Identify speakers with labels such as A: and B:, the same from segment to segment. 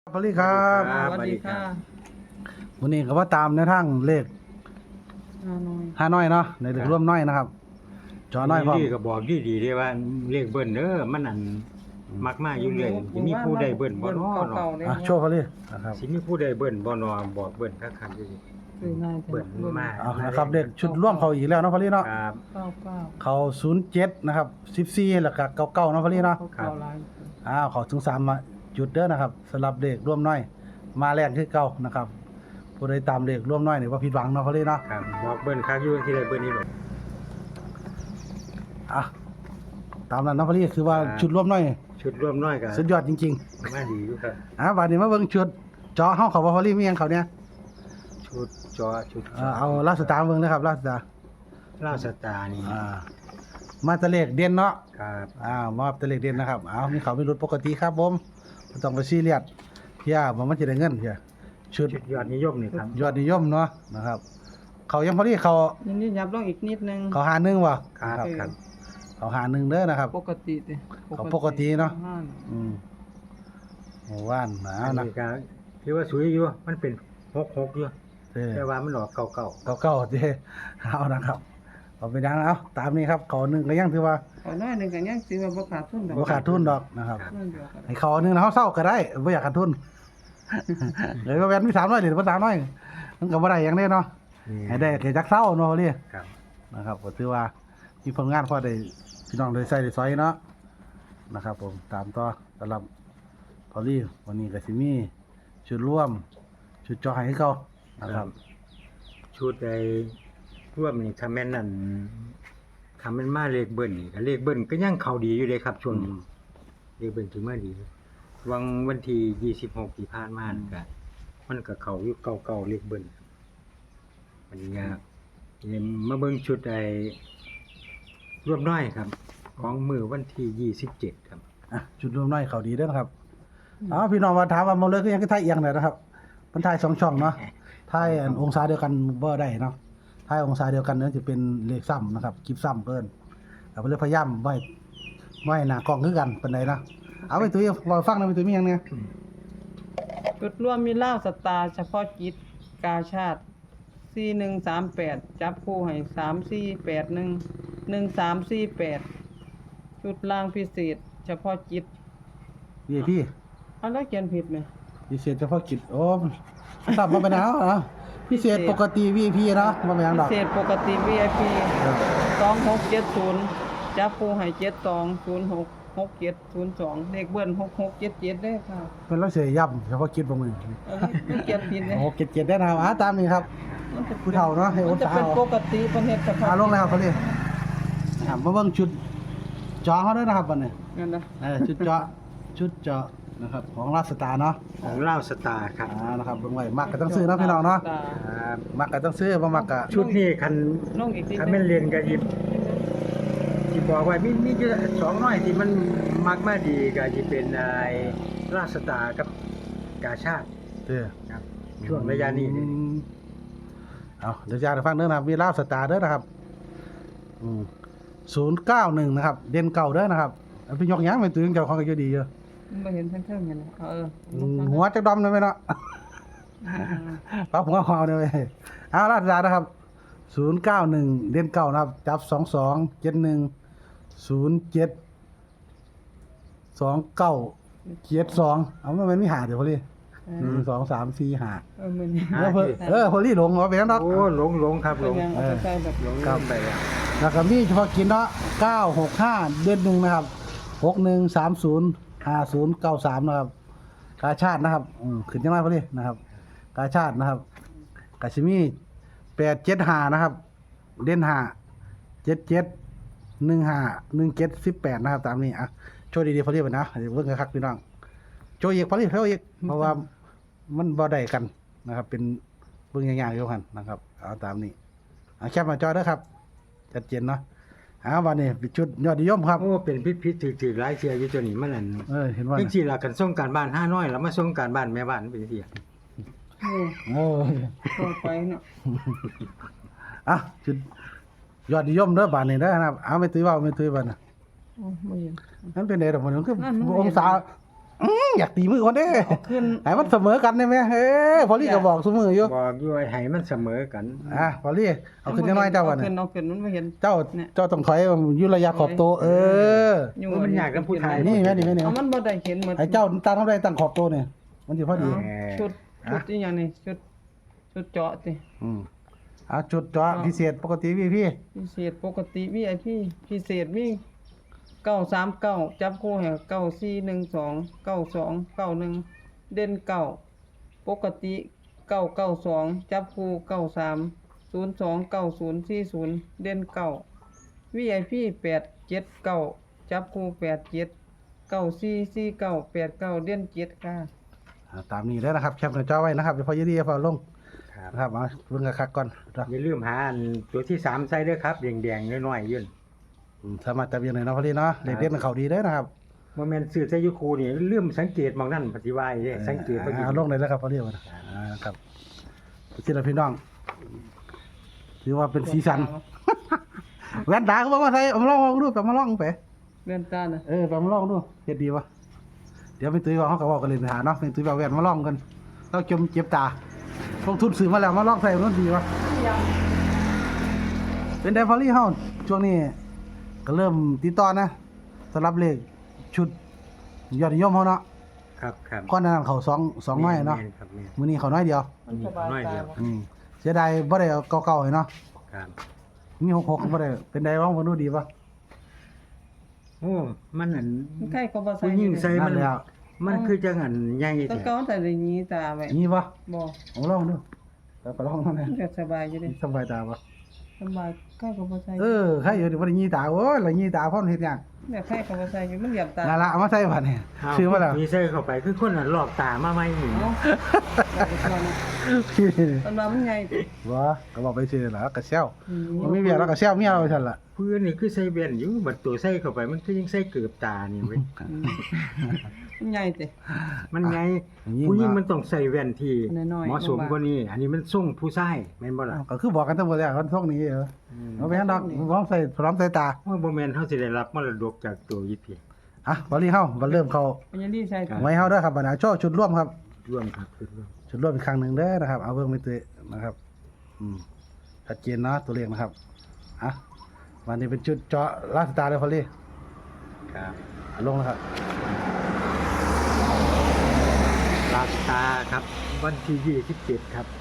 A: พอลี่ครับ
B: สวัสดีค่ะ
A: วันนี้ก็ว่าตามในทางเลข
B: ฮานอย
A: 5น้อยเนาะในเลขร่วมน้อยนะครับ จอน้อยพร้อม
C: ดีก็บอกดีได้ว่าเลขเบิ้ลเด้อมันอันมักมาอยู่เลยสิมีผู้ใดเบิ้ลบ่น้อเนาะ
A: อ่ะโชว์พอลี่นะครับ
C: สิมีผู้ใดเบิ้ลบ่น้อบอกเบิ้ลคักๆอยู่ดิ
B: คือง่ายจัง
C: เบิ้ลมา
A: เอานะครับเลขชุดร่วมเขาอีกแล้วเนาะพอลี่เนาะ
C: ครับ
B: เก้าเก้า
A: เขา07นะครับ14แล้วก็99เนาะพอลี่เนาะ
B: เก้าลาย
A: เขาถึง3มาจุดเด้อนะครับสำหรับเลขร่วมน้อย มาแรกคือเก่านะครับผู้ใดตามเลขร่วมน้อยนี่บ่ผิดหวังเนาะพอลี่เนาะ
C: ครับบอกเบิ้ลคักอยู่ที่ใดเบิ้ลนี่หรอก
A: อ่ะตามนั้นเนาะพอลี่คือว่าชุดร่วมน้อย
C: ชุดร่วมน้อยก็
A: สุดยอดจริง
C: มาดีอยู่ครับ
A: ๆบัดนี้มาเบิ่งชุดจอเฮาเขาว่าพอลี่มีหยังเขาเนี่ย
C: ชุดจอชุด
A: เอาลาสตาร์เบิ่งนะครับลาสตาร์
C: ลาวสตาร์นี่
A: มาแตะเลขเด่นเนาะ
C: ครับ
A: มาแตะเลขเด่นนะครับมีเขามีรถปกติครับผมบ่ต้องไปซีเรียสเพียบ่มันจะได้เงินเพียชุด
C: ชุดยอดนิยมนี่ครับ
A: ยอดนิยมเนาะนะครับ เขายังพอดีเขา
B: นี่ยับลงอีกนิดนึง
A: เขาหาหนึ่งว่ะ
C: ครับครับ
A: เขาหาหนึ่งเด้อนะครับ
B: ปกติดิ
A: เขาปกติเนาะ
B: ห้
A: อืมโอ้ว่านหนา
C: อัน
A: นะ
C: นี้ก็ถือว่าสวยอยู่มันเป็น66อยู่
A: เด้
C: แต่ว่ามันออกเก่า
A: เก่าๆเด้เอานะครับเอาไปดังเอาตามนี้ครับเขาหนึ่งก็ยังถือว่า
B: ขอน้อยหนึงก็ยังสิว่าบ่ขาดทุนดอก
A: บ่ขาดทุนดอกนะครับ
B: นั่นเดียวกัน
A: ให้เขาหนึ่งนะเขาเศร้าก็ได้บ่อยากขาดทุน เลยว่าแวนมี300เหรียญบ่300มันก็บ่ได้หยังเด้เนาะ
C: ๆ
A: ให้ได้แค่จักเศร้าเนาะเรีย
C: ครับ
A: นะครับก็ถือว่ามีผลงานพอได้พี่น้องได้ใส่ได้ซอยเนาะนะครับ ผมตามต่อสำหรับพอลี่วันนี้ก็สิมีชุดร่วม ชุดจอให้เขานะครับ
C: ชุดใดร่วมนี่ถ้าแม่นนั่นถ้าแม่นมาเลขเบิ้ลนี่ก็เลขเบิ้ลก็ยังเข้าดีอยู่เลยครับช่วงนี้เลขเบิ้ลถือมาดีวันที่26ที่ผ่านมานี่ก็มันก็เข้าอยู่เก่าๆเลขเบิ้ลวันนี้ก็มาเบิ่งชุดไอ้ร่วมน้อยครับ ของมือวันที่27ครับ
A: ชุดร่วมน้อยเขาดีเด้อนะครับพี่น้องมาถามว่ามาเลยก็ยังคือไทยเอียงเลยนะครับมันไทย2ช่องเนาะไทยอันองศาเดียวกันบ่ได้เนาะไทยองศาเดียวกันเนี่ยจะเป็นเลขซ้ำนะครับคลิปซ้ำเพิ่นเราเลยพยายามไว้หน้ากล้องคือกันปานใดนะเอาไปตุ้ยรอฟังนะไปตุ้ยมีหยังเนี่ย
B: จุดรวมมีลาวสตาร์เฉพาะกิจกาชาติ4138จับคู่ให้3481 1348จุดล่างพิเศษ เฉพาะกิจ
A: VIP
B: อันนั้นเขียนผิดไหม
A: พิเศษเฉพาะกิจโอ้ตับมาเป็นเอาเหรอพิเศษปกติ VIP เนาะมาเป็นหยัง
B: พิ
A: ดอก
B: เศษปกติ VIP
A: เออ
B: 2670จับปูให้72066702เลขเบิ้ล6677ได้ค่ะ
A: เป็นเราเสียย่ำเฉพาะกิจบ่มือ
B: ไม่เขียนผิดเลย
A: โอ้77ได้นะครับตามนี้ครับ ผู้เฒ่าเนาะให้โอ
B: มัน
A: น
B: จะ
A: สา
B: เป็น
A: ว
B: ปกติเป็นเฮ็ดเฉพาะ
A: ลงแล้วเขาเรียกมาเบิ่งชุดจอเขาด้วยนะครับบัดนี้
B: นั่นนะ
A: ชุดเจาะนะครับของราชสตาร์เนาะ
C: ของลาวสตาร์ครับ
A: นะครับเบิ่งไว้มักก็ต้องซื้อเนาะพี่น้องเนาะ
C: ครับ
A: มักก็ต้องซื้อบ่มักก็
C: ชุดนี้คัน
B: ลงอีกที
C: คันแม่นเรียนก็ยิบที่บอกไว้มีอยู่สองน้อยที่มันมักมาดีก็สิเป็นไอ้ราชสตาร์กับกาชาติ
A: เด้อ
C: ครับช่วงระยะนี้นี่
A: เอาเดี๋ยวจะให้ฟังเด้อนะครับมีราชสตาร์เด้อนะครับ091นะครับเด่นเก่าเด้อนะครับเอาไปยกหยังไปตื่นเจ้าของก็อยู่ดีอยู่
B: ไม่เห็นเพิ่งๆเห็น
A: หัวจักดำเลยไหมเนาะปั๊บหัวหาวเลยเว้ยเอาราชดานะครับ091เด่นเก่านะครับจับ2271072972เอามันมีหาเดี๋ยวพอลี่1 2 3 4 5
B: มัน
A: พอลี่หลงว่าเป็นนัก
C: โอ้หลงครับหลง
B: ยังเอาไปใส่แบบ
C: หลง
A: ครับ
C: ไปแล้ว
A: แล้วก็มีเฉพาะกินเนาะ965เดือนหนึ่งนะครับ61305093นะครับกาชาตินะครับขึ้นจังไรพอลี่นะครับกาชาตินะครับกาชิมี875นะครับเด่น5 77 15 17 18นะครับตามนี้โชว์ดีๆพอลี่ไปนะเดี๋ยวเบิ่งคักๆพี่น้องโชว์อีกพอลี่เท่าอีกเพราะว่ามันบ่ได้กันนะครับเป็นเบิ่งยากๆอยู่กันนะครับเอาตามนี้แคปมาจอเด้อครับชัดเจนเนาะวันนี้เป็นชุดยอดนิยมครับ
C: โอ้เป็นพิษถือหลายเที่ยอยู่ตัวนี้มันนั่น
A: เห็นว่า
C: จังซี่ล่ะกันส่งการบ้าน5น้อยแล้วมาส่งการบ้านแม่บ้านเป็นจังซี่
B: ตัวไปเนาะ
A: ชุดยอดนิยมเด้อบานนี้เด้อนะครับไม่ตื้อว่าไม่ตื้อบ้านน่ะ
B: ไม่เห็น
A: นั่นเป็นไดดอกมันคือ
B: นั่นมัน
A: องศาอยากตีมือคนเด้
B: เอาขึ้น
A: ให้มันเสมอกันได้ไหมพอลี่ก็บอกเสมออยู่
C: บอกอยู่ให้มันเสมอกัน
A: พอลี่เอาขึ้นจังน้อยเจ้าก่อน
B: เอาขึ้นมันไม่เห็น
A: เจ้า
B: เนี่ย
A: เจ้าต้องถอยอยู่ระยะขอบโตะ
B: อยู่
C: มันยากกับผู้ชาย
A: นี่แม่นี่แม่นี่
B: เอามันบ่ได้เห็นหมด
A: ไอ้เจ้าตั้งเท่าไรตั้งขอบโตะเนี่ยมันสิพอดี
B: เอาชุดอีหยังนี่ชุดเจาะติ
A: จุดเจาะพิเศษปกติพี่
B: พิเศษปกติ VIP พิเศษมี939จับคู่ให้9412 92 91เด่น9ปกติ992จับคู่93 02 90 40เด่น9 VIP 879จับคู่87 94 49 89เด่น7ค่ะ
A: ตามนี้แล้วนะครับแคปหน้าจอไว้นะครับเดี๋ยวพอยืดพอลง
C: ครับ
A: นะครับเอาเบิ่งคักๆก่อน
C: อย่าลืมหาอันตัวที่3ใส่ด้วยครับแดงๆน้อยๆยื่น
A: สามารถจับยังไงเนาะพอดีเนาะเด็กเล่นเขาดีเด้อนะครับ
C: บ่แม่นซื้อใส่อยู่คูนี่ลืมสังเกตหมองนั่นปฏิวัยเด้สังเกตบ่ดี
A: ลงเลยแล้วครับพอดีวันครับพี่พี่น้องถือว่าเป็นสีสันแว่นตาเขาบอกว่าใส่เอามาลองดูแบบมาลองไป
B: เลื่อนตาน่ะ
A: แบบมาลองดูเฮ็ดดีวะเดี๋ยวเป็นตุ้ยว่าเขาก็บอกกันเลยนะเนาะเป็นตุ้ยแบบแว่นมาลองกันเราจมเจ็บตาลงทุนซื้อมาแล้วมาลองใส่มันดีวะเป็นไดพอลี่เฮาช่วงนี้ก็เริ่มติดต่อนะสำหรับเลขชุดยอดนิยมเฮาเนาะ
C: ครับครับ
A: ก้อนนั้นเขาสองน้อยเนาะ
C: แม่ครับแม่น
A: มื้อนี้เขาน้อยเดียว
B: มันสบาย
C: น้อยเดี
B: ตา
C: ยว
A: เสียดายบ่ได้เอาเก่าๆให้เนาะ
C: ครับ
A: มี66บ่ได้เป็นไดบ้างบ่รู้ดีป่ะ
C: โอ้มันอัน
B: มันใกล้ก็บ่ใส่
C: ผู้หญิงใส่
A: นั่
C: มัน
A: นแล้ว
C: มันคือจังอันใหญ่
B: ตะ
C: แท้
B: เกาแต่ได้ยีตาไว้
A: มีป่ะ
B: บ่
A: เอาลองดูแล้วก็ลองนั่นแหละ
B: มันก็สบายอยู่เด้
A: สบายตาป่ะ
B: สบายใกล้ก็บ่ใส่
A: ใครอยู่ดิบ่ได้ยีตาโอ้ยละยีตาพร้อมเฮ็ดหยัง
B: เนี่ยใกล้ก็บ่ใส่อยู่มันเหยียบตา
A: นั่นล่ะเอามาใส่บัดนี่
C: เา
A: ซื้อมาแล้ว
C: มีใส่เข้าไปคือคนน่ะลอกตามาใหม่นี่
B: เนาะตอนว่ามันใหญ่ติ
A: บ่ก็บอกไปซื้อแล้วก็เซล
B: อืม
A: มันมีเวียแล้วก็เซลเมียเราไปซั่นล่ะ
C: เพื่อนนี่คือใส่แว่นอยู่บัดตัวใส่เข้าไปมันคือยังใส่เกือบตานี่เว้ย
B: มันใหญ่ติ
C: มันไง
A: ยิ่ง
C: ผู้หญิง
A: ว่า
C: มันต้องใส่แว่นที่
B: น้อยๆ
C: เหมาะสม
B: บางๆ
C: กว่านี้ อันนี้มันส่งผู้ชายแม่นบ่ล่ะ
A: ก็คือบอกกันทั้งหมดแล้วคนท่องนี้เหรอเอาไปให้ดอกพร้อมใส่ตา
C: ว่าบ่แม่นเฮาสิได้รับมรดกจากตัวยิพี่
A: บ่รีเฮาบ่เริ่มเข้า
B: มันยังดีใส่ติ
A: ไว้เฮาเด้อครับบัดนี้โชว์ชุดร่วมครับ
C: ร่วมครับคือร่วม
A: ชุดร่วมอีกครั้งหนึงเด้อนะครับเอาเบิ่งไปตื้อนะครับชัดเจนเนาะตัวเลขนะครับวันนี้เป็นชุดเจาะลาสตาร์เลยพอลี่
C: ครับ
A: ลงแล้วครับ
C: ลาสตาร์ครับวันที่27ครับ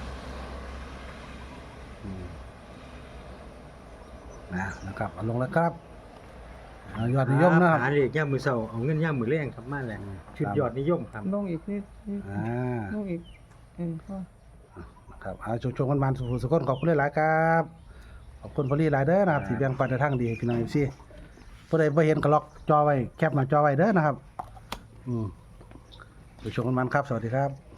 A: นะครับเอาลงแล้วครับยอดนิยมนะครับ
C: หาเลขย่ามมื้อเช้าเอาเงินย่ามมื้อแลงครับมาแล้วชุดยอดนิยมครับ
B: ลงอีกนิด ลงอีกพอ
A: ครับเอาชมกันสุขคนขอบคุณหลายๆครับขอบคุณพอลี่หลายเด้อนะครับที่แบ่งปันในทางดีให้พี่น้อง FC ผู้ใดบ่เห็นก็ล็อกจอไว้แคปหน้าจอไว้เด้อนะครับชมกันครับสวัสดีครับ